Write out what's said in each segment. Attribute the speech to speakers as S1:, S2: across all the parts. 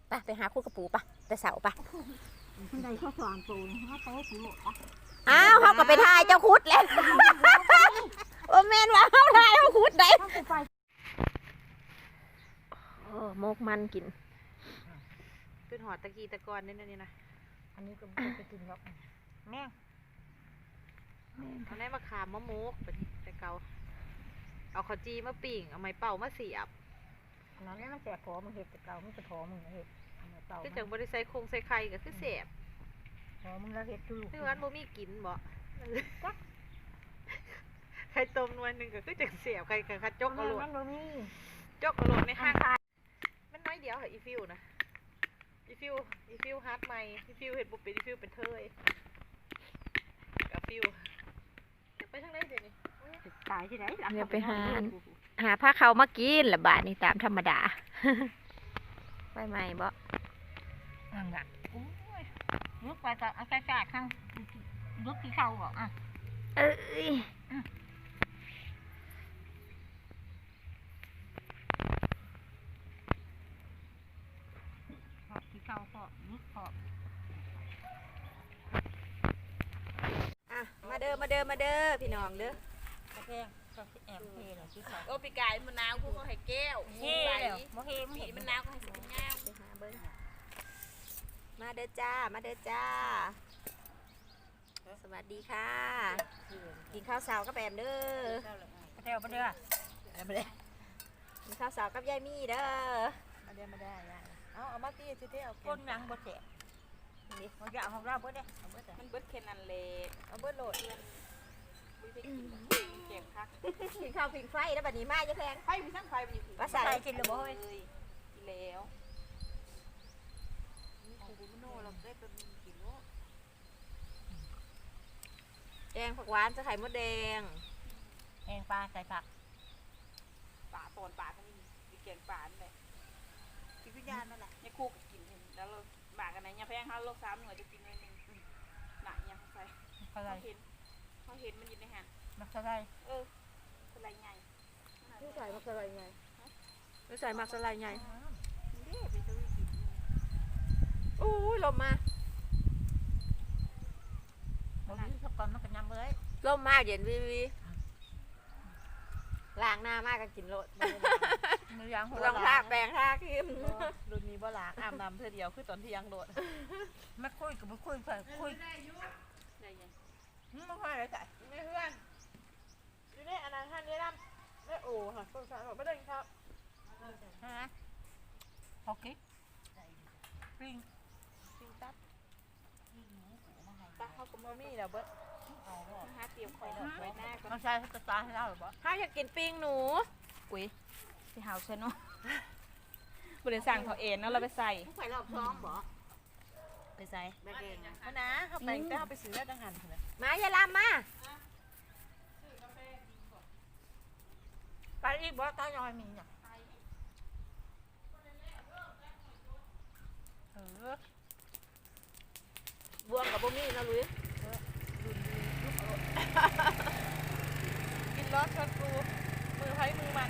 S1: ไปหาคู่กระปูปะแต่เสาปะ
S2: มันได้แค่สองตัวถ้าโตปูโหลปะ
S1: อ้าวเขาก็ไปทายเจ้าคุดแล้วโอ้แม่นว่าเขาทายเขาคุดได้โอ้โมกมันกินเป็นหอดตะกี้ตะกอนนี่นะ
S2: อันนี้ก็ไม่ไปกินหรอกแม่ง
S1: เอาไหนมาขามมะโมกเป็นแต่เกาเอาข้าวจีมาปิ่งเอาไม้เป่ามาเสียบ
S2: อันนั้นมันแสบคอมึงเห็ดแต่เก่ามึงจะคอมึงเห็ดเต่า
S1: คือจังบริใส่คงใส่ไข่ก็คือเสียบ
S2: คอมึงแล้วเห็ดดู
S1: ซึ่งวันโมมีกินบ่ไข่ต้มนวลหนึ่งก็คือจังเสียบไข่กับจกอร่อย
S2: มันบ่มี
S1: จกอร่อยในห้างมันน้อยเดียวเหรออีฟิวนะอีฟิวฮาร์ดใหม่อีฟิวเห็ดบุปเป็นอีฟิวเป็นเทยกับฟิวไปทางไหนเดี๋ยวนี้
S2: ตายที่ไหน
S1: เนี่ยไปหาผ้าเขามากินละบาทนี่ตามธรรมดาไปใหม่บ่
S2: นั่นแหละโอ้ยลุกไปก็เอาใส่ๆข้างลุกที่เข้าก่อนอ่ะ
S1: เอ้ย
S2: ที่เข้าก็ลุกก็
S1: อ่ะมาเด้อพี่น้องเด้อ
S2: กระแทกก็แอบเทเลยที่เขา
S3: โอ้ปีกายมะนาวคู่เขาให้แก้ว
S2: เท่แล้วโมเฮมึง
S3: ปี
S2: เห็น
S3: มะนาวเขาให้สิบเงา
S1: ไปหาเบิ้งมาเด้อจ้าสวัสดีค่ะ กินข้าวเสากับแอมเด้อก
S2: ระแทกไปเด้อ
S3: ไม่ได้
S1: กินข้าวเสากับยายมี่เด้อ
S3: ไม่ได้เอามาตีสิเท่เอา
S2: ก้นยังบ่แสบนี่มันจะเอาของเราบ่ได้เอาบ่ได้
S3: มันเบิดแค่นั้นเลยเอาเบิดโหลดเงินไม่ได้กินเก็บคัก
S1: กินข้าวผิงไฟแล้วบัดนี้มาจะแพง
S3: ไฟมีทั้งไฟมีผี
S1: ว่าใส่
S2: กินหรือบ่เฮ้ย
S3: กินแล้วของบุญโนเราได้เป็นกินโล
S1: แดงผักหวานจะไข่มดแดง
S2: แองปลาใส่ผัก
S3: ป่าตอนป่าก็มีเกียงป่าเลยกินพิญญาณนั่นแหละเนี่ยคู่กับกินแล้วเราบากกันไหนเนี่ยแพงห้าโล3หน่วยจะกินเลยหนึ่งหนักยังใส่
S2: เขาได้
S3: เขาเห็นมันอยู่ในหัน
S2: มักเขาได้
S3: อะไรไง
S1: ไม่ใส่มักสไลด์ไงไม่ใส่มักสไลด์ไง
S3: เด้ไปซื้อกิน
S1: โอ้ยลมมา
S2: บ่มีสักก่อนมันก็ยำเลย
S1: ลมมาเย็นวีล้างหน้ามากก็กินโลด
S2: มือยางหัว
S1: ลองทาแปรงทาครีม
S3: รุ่นนี้บ่ล้างอาบน้ำเธอเดียวคือตอนที่ยังโดด
S2: ไม่คุยกับไม่คุยเพื่อนคุย
S3: ได้ยัง
S2: ไม่ค่อยเลยใส่
S3: ไม่เพื่อนอยู่ในอนาคตนี้ล่ะได้โอ้ค่ะสงสารบอกไม่ได้ครับ
S2: ฮะพอกิ๊กปิ้ง
S3: จริงตับตับเขาก็บ่มีแล้วเบิดหาเตรียมของไว้หน้าก่อน
S2: มันใช่จะตาให้เราหรือเปล่า
S1: ถ้าอยากกินปิ้งหนู
S3: กุ้ยที่เฮาใช่เนาะบริสั่งเขาเองเนาะเราไปใส่
S1: ผู้ใส่รอบท้องบ่
S3: ไปใส่
S1: แม่เก่ง
S3: เพราะนะเขาไปแต่เขาไปซื้อได้ดังหันเลย
S1: มาอย่าลามมา
S2: ไปอีกบ่ตายอยมีเนี่ยเออบ
S1: วงกับบ่มีนะลุย
S3: กินรสชดกูมือไผ่มือมัน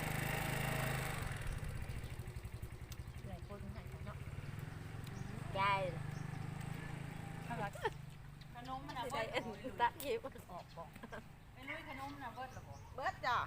S2: หลายคนใส่เนาะ
S1: ยาย
S2: ถ้าเรา
S3: ขนมมัน
S1: สิ
S3: อ่ะ
S1: ได้
S3: เบิด
S1: เอ็นตะคิว
S2: ออกบอก
S3: ไม่รู้ขนมมันอ่ะเบิดหรอบ่เบิดจ้ะ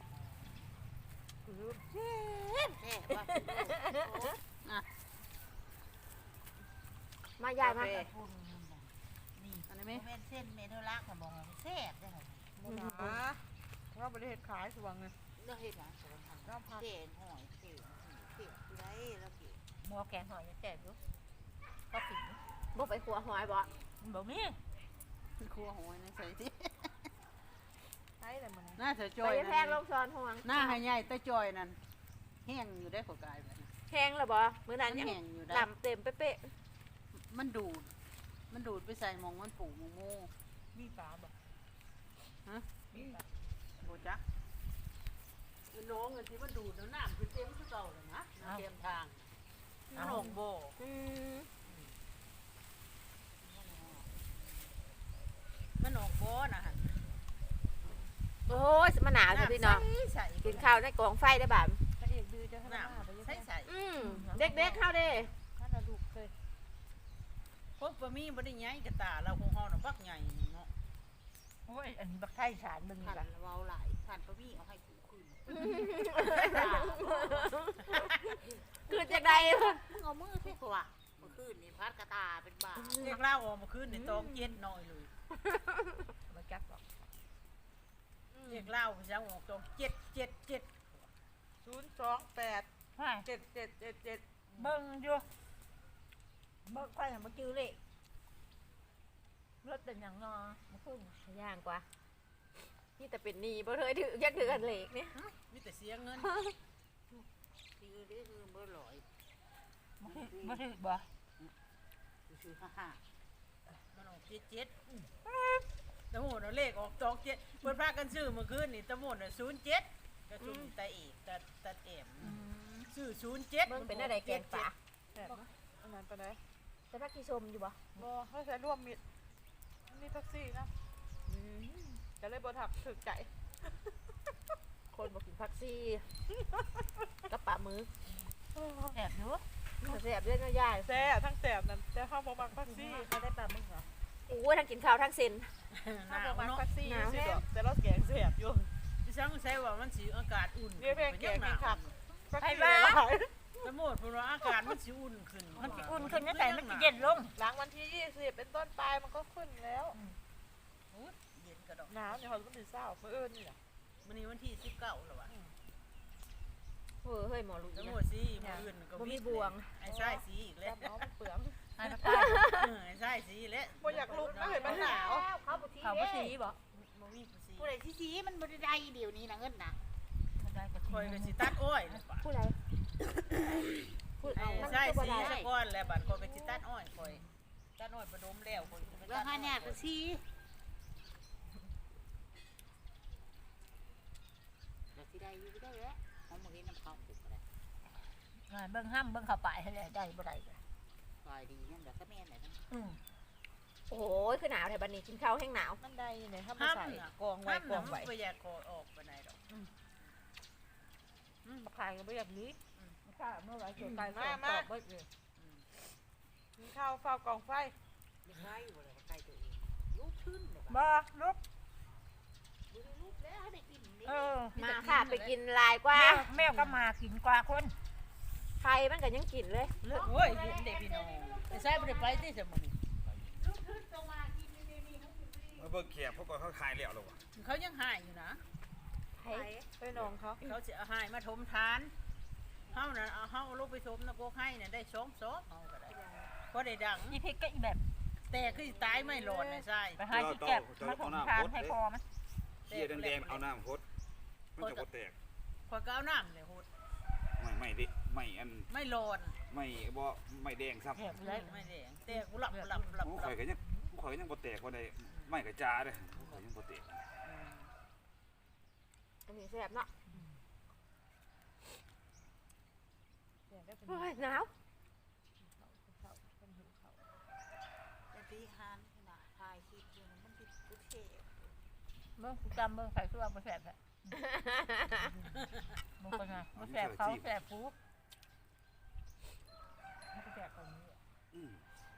S1: มายายมา
S2: นี่
S3: อันนี้ไหม
S2: เม็ดเส้นเมนูลักค่ะบอกแซ่บได้ค่ะ
S3: บ่หนาเราบริเหตุขายสว่างเลย
S2: เลือกเห็ดหลังสวนทาง
S3: เราพัก
S2: เก่งหอยเก่งเก่งที่ไรแล้วเก่งหม้อแกงหอยยังแซ่บอยู่ก็ผิด
S1: บ่ไปขัวหอยบ่
S2: มันบอกมี
S3: ครัวหอยในใส่ที่ใช่เลยมัน
S4: หน้าเสือจ
S1: ไป
S4: อย
S1: แพงลงซ้อนห่วง
S4: หน้าให้ใหญ่แต่จอยนั่นแห้งอยู่ได้ขอกายแบบนั้น
S1: แห้งแล้วบ่มื้อนั้น
S4: มัน
S1: ยัง
S4: แห้งอยู่ได้
S1: ลำเต็มเป๊ะ
S4: มันดูด มันดูดไปใส่หมองมันปูหมองโม่
S2: มีปลาบอก
S4: โบจักมันน้องเงินที่มันดูดแล้วน้ำคือเต็มคือเก่าเลยนะน้ำเต็มทางมันหงโบ
S1: ๆ
S4: มันหงโบนะฮะ
S1: โอ้ยมะนาวจ้ะพี่น้อง
S4: ใส่
S1: กินข้าวในกองไฟได้บ่า
S3: พระเอกดื้อจะขนาด
S4: น้ำใส่ใส่
S1: เด็กๆเข้าเด้
S3: ใช่
S4: พวกบะหมี่บ่ได้ใหญ่กระตาเราคงเฮาน่ะบักใหญ่เนาะ
S2: โอ้ยอันนี้บักไทยสารมึง
S3: ขัน
S2: กัน
S3: เว้าหลายขันปะมี่เอาให้กูคืน
S1: คือจะได้
S3: มึงเอามือเพ่กว่าเมื่อคืนนี่พัดกระตาเป็นบ้า
S4: เรียกเล่าออกมาคืนนี่ต้องเย็นน้อยเลย
S2: มาจับบอก
S4: เรียกเล่าไปจังออกต้อง7
S1: 028
S2: ว่า
S1: 7777
S2: เบิ่งอยู่เบิ่งค่อยมาจื้อเลยรถเป็นอย่างงอมาขึ้น
S1: ย่างกว่านี่แต่เป็นหนีบ่เคยถือยักถือกันเหล็กเนี่ย
S4: มีแต่เสียเงิน
S3: คือนี่คือเมื่อลอย
S2: มาถึงบ่
S3: คือฮ่า
S4: มันออก77ตะโหดเอาเลขออก27เพิ่นพากันซื้อเมื่อคืนนี่ตะโหดน่ะ07ก็ซุ่มตาเอกตาแอมซื้อ07
S1: เบิ่งเป็นอะไรแกงป่า
S5: แบบนะอันนั้นไปไหน
S1: จะพักที่ชมอยู่บ่
S5: บอให้ใช้ร่วมมิดมีแท็กซี่นะจะเลยบถักถึกใจ
S1: คนบอกกินพักซี่กระปะมือ
S2: แอบอยู่
S1: แสบเรื่องง่าย
S5: แซ่ทั้งแสบนั่นแต่ข้าวบมักแท็กซี่
S2: เขาได้ปลามึงเหรอ
S1: ๆโอ้ยทั้งกินข้าวทั้งเซน
S4: ห
S5: ข้า
S4: นาว ว
S5: บมัก
S4: เนาะ
S5: แท็กซี่
S1: หนาว
S5: สิ
S1: แฮะ
S5: ดอกแต่เราแกงแสบอยู่
S4: ดิฉันใช้ว่ามันสิอากาศอุ่น
S5: เรียกเพลงแกงแกงขับแท็กซี่
S4: ตะโหดเพิ่นว่าอากาศมันสิอุ่นขึ้น
S2: มันจะอุ่นขึ้นนั่นแต่มันจะเย็นลง
S5: หลังวันที่20เป็นต้นไปมันก็ขึ้นแล้ว
S4: เย็นกระดอก
S5: หนาวเนี่ยเขาก็มีเศร้าเมื่อเอิญนี่แหละ
S4: มื้อนี้วันที่19แล้วว่ะ
S1: เฮ้ยหมอลุย
S4: ตะโห
S1: นะ
S4: ดสิมื้ออื่นก็
S1: บ่มีบวง
S4: ไอ้ใช่สีอีกแล้ว
S5: จับน้องมันเปลือง
S2: ไอ้มาใต้
S4: ไอ้ใช่สีแล้ว
S5: บ่อยากลุกนะเห็นมันหนาว
S3: เขาบุตรี
S2: เขาบ่สีบ่
S4: บ่มีผู้สี
S3: ผู้ใดที่สีมันบ่ได้เดี๋ยวนี้นะเงินนะ
S2: มันได้ก็
S4: คอยก็สิตัดอ้อยแล้วป่ะ
S1: ผู้ใดผู้
S4: ไอ้
S1: มัน
S4: ใช่
S1: ก็บ่
S4: สี
S1: ได้
S4: ซะก่อนแล้วบัดคอยก็สิตัดอ้อยคอยตัดอ้อยประดมแล้วคอยก็ไป
S3: เรื่อง
S4: ตัด
S3: ห้าเนี่ยก็สีแต่ที่ได้อยู่ได้แล้วเขามาเห็นน้ำเขาปลูกอะไร
S2: เบิ่งห้ำเบิ่งเข้าไปให้ได้บ่ได้
S3: ลอยดีนั่นแหละก็แม่นไหนนั่น
S2: อืม
S1: โอ้โหคือหนาวแถวบันนี้กินข้าวแห้งหนาว
S5: มันได้เนี่ยถ้ามา
S4: ห้าม
S5: ใส่
S4: น่ะ
S5: กองไว้
S4: ห้าม
S5: ก
S4: น่ะ
S5: อง
S4: มัน
S5: ไว้
S4: บ่อยากคอออกปานใดดอก
S5: มาขายกันไม่อยากนี้
S2: ข้าเมื่อไหร่จะ
S5: ไก่ตอบไม่เลยกินข้าวเฝ้ากองไฟ
S3: เลี้ยงไว้อยู่เลยใกล้ตัวเองลูกขึ้นเลย
S2: บ่ลุก
S3: ดูลูกแล้วให้ได้กินนี่
S2: เออ
S1: มาค่ะไปกินลายกว่า
S2: แมวก็มากินกว่าคน
S1: ใครมันก็ยังกินเลย
S4: โอ้ยเห็นเด็กพี่น้องไอ้ใช่บ่ได้ไปที่สมุน
S3: ลูกขึ้นตรงมากินนี่นี่เขากินนี่
S6: มาเบิ่งแขกพวกเขาขายแล้วหรอวะ
S4: เขายังหายอยู่นะ
S1: ใคร
S5: ไปน้องเขา
S4: เขาจะเอาหายมาถมทานเฮาน่ะเอาเฮาลูกไปถมนะโกให้น่ะได้2ซอกเฮาก็ได้บ่ได้ดัง
S2: อีพริกก็อีแบบ
S4: แต่คือตายไม่หลอดไอ้ใช่
S2: ไปหาที่แก็บมาถมทานให้พอมัน
S6: เสียแดงๆเอาน้ำพดมันจะบ่แตก
S4: คอยก็เอาน้ำเลยโหด
S6: ไม่ดิไม่อัน
S4: ไม่หลอน
S6: ไม่บ่ไม่แดงซ้ำ
S2: แอบเลย
S4: ไม่แดงแต่กูหลับหลับหลับ
S6: โอ้
S4: หลั
S6: ข่อบ ยก็ยังบ่แตกว่าได้ไม่กระจาเด้ข่อยยังบ่แตก
S1: อันนี้แซ่บเนาะ
S5: เนี่ยได้เป็น
S1: โอ้ยหนาว
S3: แต่ที่ฮานขนาดทายคลิปอยู่มันติดกุเท
S2: เบิ่งจำเบิ่งใส่เครื่องบ่แซ่บแหละมึงเป็นไงบ่แซ่บเขาแซ่บกูมันก็แซ่บตรงนี้
S6: อืม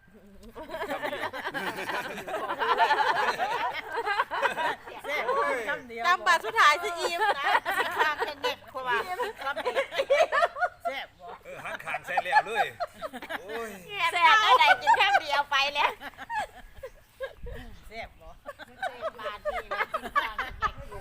S4: แซ่บคำเดียว
S5: ตามบาทสุดท้ายสิอีมนะ
S3: ข้างกันเด็กคนว่า
S4: คำเดียวแซ่บบ่
S6: หันขานใส่แล้วเลยโอ้ย
S1: แซ่บได้ไหนกินแค่เดียวไปแล้ว
S4: แซ่บบ่
S3: เส้นบาทนี่เลยกินข้างกันเด็กอยู่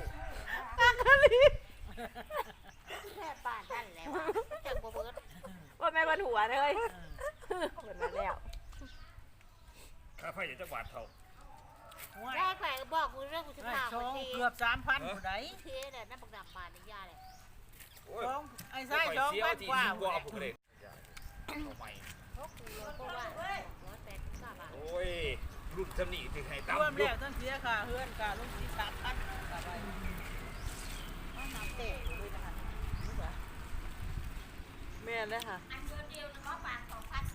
S3: แค่ป่านนั่นแหละจังบ่เบิด
S1: ว่าแม่บนหัวเลยเหมือนมาแล้ว
S6: ค่าไฟจะบาทเท่า
S4: ห่วย
S3: ได้ไปบอกมือเรื่องกูจะพา
S4: ส
S3: ไป
S4: อง
S3: ที่
S4: เกือบ 3,000ผู้ใด
S3: เทน่ะนั่นบักดำบานในย่าเลย
S6: โอ้ย
S4: สองไอ้ไส้2,000กว่า
S6: บ่เอาผู้ใดเอาใหม่
S3: เพราะกูเพราะว่า189 บาท
S6: โอ้ยรุ่นจำนี่ที่ให้ตาม
S4: รวมแล้วทั้งเสียค่าเฮือนค่าลงที่3,000ก็ไป
S3: เอาน้ำเตะด้วยนะคะ
S5: แม่เลยค่ะ
S3: อันเดียวนะว่าบาท2,000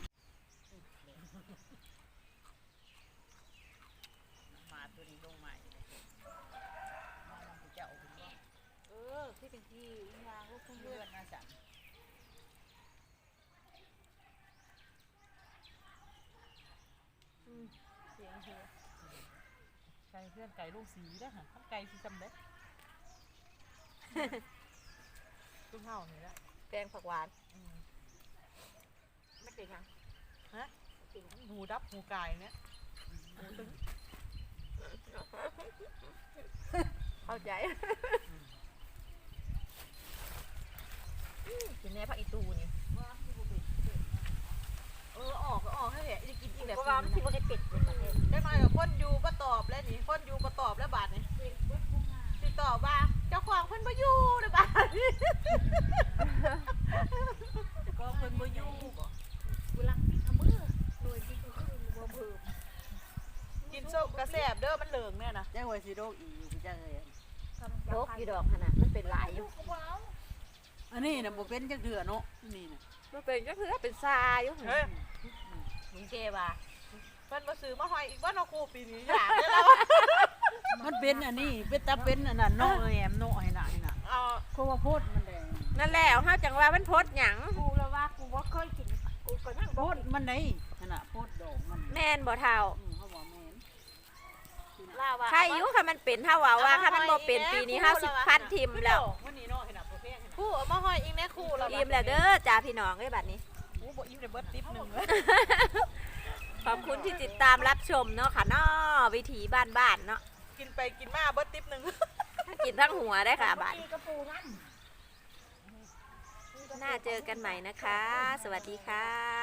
S4: มาตัวนี้ลงใหม่เลยเจ้าเป็นบ่
S3: ที่เป็นที่ยางลูก
S4: เพื่อนมาสั่ง
S5: เสียงเชียไก่เพื่อนไก่ลูกสีได้อค่ะทั้งไก่สีจำได้ตุ้มเห่านี่แหละ
S1: แกงผักหวาน
S2: ไม่เก่งยัง
S5: หมูดับหมูไก่เนี่ยหมูตึง
S1: เข้าใจ
S2: กินแน่ผักอีตูนี่
S1: ออกให้แหละจะกินอีกแบบ
S2: เพราะว่ามันที่บ่ได้เป็ดเลยประเทศ
S1: ได้มากับคนอยู่ก็ตอบแล้วนี่คนอยู่ก็ตอบแล้วบาทนี่ติดต่อว่าเจ้าของเพิ่นบ่อยู่เลยบาทนี่
S4: ก็เพิ่นบ่อยู่บ่
S2: เวลาพริกเอามือโดยพริกก็คือบ่เพิ่ม
S1: กินส้มกระแสบเด้อมันเหลืองเนี่ยนะ
S4: จังว่าสิโรคอีอยู่จังเลย
S2: โลกอยู่ดอกขนาดมันเป็นลายอยู่
S4: อันนี้น่ะบ่เป็นจังเถื่อเนาะนี่น่ะ
S1: มันเป็นก็คือเป็นซาอยู่เฮ้ย
S2: มึงเกว่า
S1: เพิ่นมาซื้อมาหอยอีกบ่เนาะครูปีนี้อยากได้แล้ว
S4: มันเป็นอันนี้เป็นตาเป็นอันนั้นเนาะแหมเนาะให้น่ะให้น่ะ
S1: เอา
S4: เพราะว่าโพดมันแดง
S1: นั่นแหละเฮาจังว่ามันพดหยัง
S2: กูแล้วว่ากูบ่เคยกินกูก็นั่ง
S4: โพดมันไหนนั่นน่ะโพดดอกมัน
S1: แม่นบ่เท่า
S4: เขาบอกแม่น
S2: ล่าว่า
S1: ใครอยู่ค่ะมันเป็นเท่าว่าถ้ามันบ่เป็นปีนี้เฮาสิพันทิมแล้ว
S4: วันนี้เนาะให้น่ะโปรเฟสให้น่ะ
S1: ครูเอามาหอยอีกแน่ครูแล้ว
S3: อิ่มแล้วเด้อจ้าพี่น้องเอ้ยบัดนี้
S5: โอ้บ่อิ่มได้เบิดติ๊บหนึง
S3: ขอบคุณที่ติดตามรับชมเนาะค่ะเนาะวิถีบ้านๆเนาะ
S1: กินไปกินมาเบิดติ๊บหนึง
S3: ถ้ากินทั้งหัวได้ค่ะบัด
S2: กระปูนั่น
S3: น่าเจอกันใหม่นะคะ สวัสดีค่ะ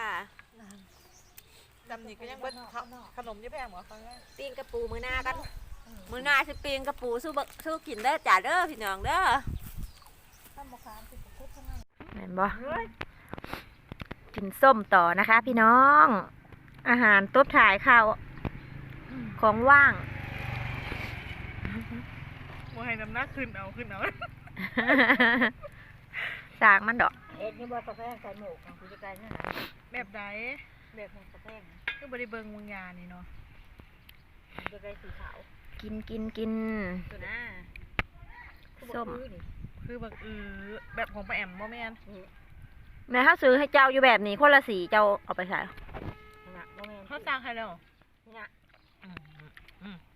S1: จำนี่ก็ยังเบิดขนมยี่แพงบ่ฟังได้
S3: ปิ้งกระปูมือหน้ากัน มือหน้าสิปิ้งกระปูสู้กินเด้อจ้าเด้อพี่น้องเด้อ
S2: ถ้าบ่ค้างสิบ่คุดทั้งนั้น
S3: เห็นบ่กินส้มต่อนะคะพี่น้อง อาหารตุ๊บถ่ายข้าวของว่าง
S5: บ่ให้น้ำหนักขึ้นเอา
S3: สากมันดอก
S2: เอ็ดนี่บ่กาแฟใส่หมกของกูจะไกลนั่นน่ะ
S5: แบบใด
S2: แบบของกาแฟ
S5: ก็บ่ได้เบิ่งวงยานี่เนาะ
S2: จะได้สีขาว
S3: กิน
S2: ตัวน่ะ
S3: ส้ม
S5: คือแบบแบบของป้าแอมบ่แม่น
S3: แม่ถ้าซื้อให้เจ้าอยู่แบบนี้คนละสีเจ้าเอาไปใส่
S2: น่ะบ่แม่น
S5: เขาสั่งให้แล้ว
S2: น่ะ
S5: อืม